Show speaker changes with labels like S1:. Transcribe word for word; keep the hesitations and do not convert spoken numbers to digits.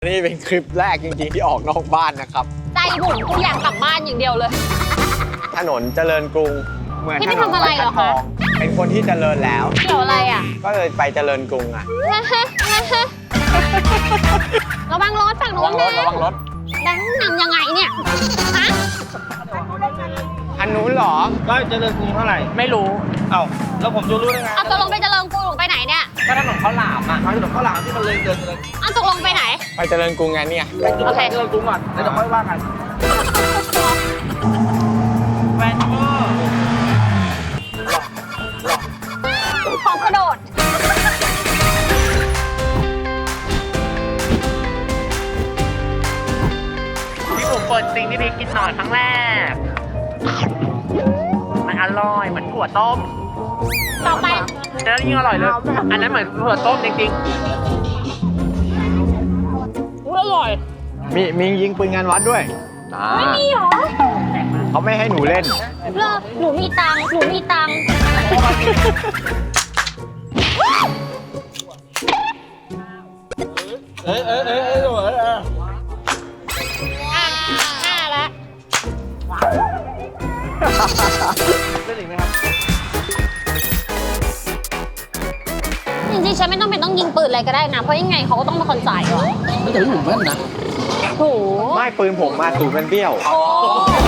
S1: นี่เป็นคลิปแรกจริงๆที่ออกนอกบ้านนะครับ
S2: ใจหมุนกูอยากกลับบ้านอย่างเดียวเลย
S1: ถนนเจริญกรุงเหมือน
S2: พี่
S1: ถ
S2: ไป
S1: นน
S2: ทำอะไรเหรอคะ
S1: เป็นคนที่เจริญแล้ว
S2: เกี่ยวอะไรอ่ะ
S1: ก็เลยไปเจริญกรุงอ่ะ
S2: ระวังรถฝั่ง
S1: ระ
S2: นู้
S1: วัน งรถ
S2: นะ
S1: ระวังรถ
S2: แบงค์นำยังไงเนี่ยฮะ
S1: อันนู้นเหรอ
S3: ก็เจริญกรุงเท่าไหร่
S1: ไม่รู้
S3: เอ้าแล้วผมจะรู้ได้ไง
S2: เอาตกลงไปเจริญกรุงไปไหนเนี่ย
S3: ก็ถนนข้าวหลามอ่ะทางถนนข้าวหลามที่มันเลยเดินเลย
S2: เอาตกลงไปไหน
S1: ไปเจริญกรุงไงเนี่ย
S3: ไปจุด
S2: โอเค
S3: เจริญกรุงก่อนแล้วเดี๋ยวค่อยว่ากันแวนเวอร์
S2: ของกระโดด
S4: พี่ผมเปิดจริงที่พี่กินหน่อยครั้งแรก มันอร่อยเหมือนถั่วต้ม
S2: ต่อไป
S4: แล้วยิ่งอร่อยเลย อันนั้นเหมือนถั่วต้มจริง
S2: อุ๊ยอร่อย
S1: มีมียิงปืนงานวัดด้วยนะ
S2: ไม่มีหรอ
S1: เขาไม่ให้หนูเล่น
S2: เลิกหนูมีตังค์หนูมีตังค์
S3: เอ้ยเอ้ยเอ้ยเอ้ยเอ้ยเอ้ย
S2: อ่ะห้าแล้ว
S3: เล่นอีกไหมครับ
S2: จริงๆฉันไม่ต้องเป็นต้องยิงปืนอะไรก็ได้นะ เพราะยังไงเขาก็ต้องเป็นคนจ่ายก่อน
S3: ไม่แต่พี่หนุ่มแม่นนะ
S2: โห
S1: ไม่ปืนผมมาสูบเป็นเบี้ยว
S2: โอ้